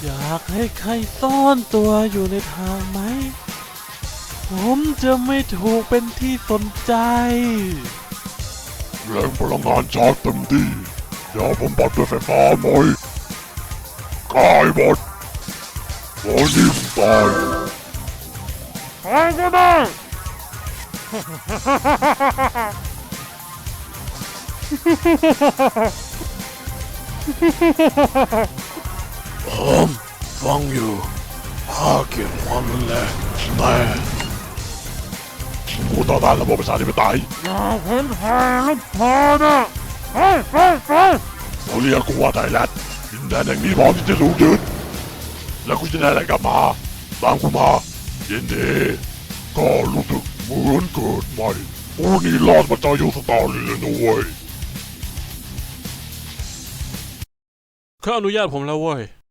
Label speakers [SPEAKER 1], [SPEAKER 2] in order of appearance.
[SPEAKER 1] อยากให้ใครซ่อนตัวอยู่ในทางไหมผมจะไม่ถูกเป็นที่สนใจ
[SPEAKER 2] แรงพลังงานชาร์จเต็มที่เดี๋ยวผมปัดด้วยไฟฟ้าหน่อยกายหมดโอ้นิ่มตาย
[SPEAKER 3] ใครก็ได้
[SPEAKER 2] ผมฟังอยู่ข้าเกลียดความรุนแรงแต่ผู้ต่อต้านระบบประชาธิปไตย
[SPEAKER 3] อย่าเห็นแพ้ลูกพอนะไป
[SPEAKER 2] เขาเรียกกูว่าไทยแลนด์ดินแดนแห่งนี้พร้อมที่จะถูกยึดแล้วกูจะได้อะไรกลับมาตามกูมายินดีก็รู้สึกเหมือนเกิดใหม่กูนี่รอดมาจากยุคสตอรี่เลยนะเว้ย
[SPEAKER 1] เขาอนุญาตผมแล้วเว้ย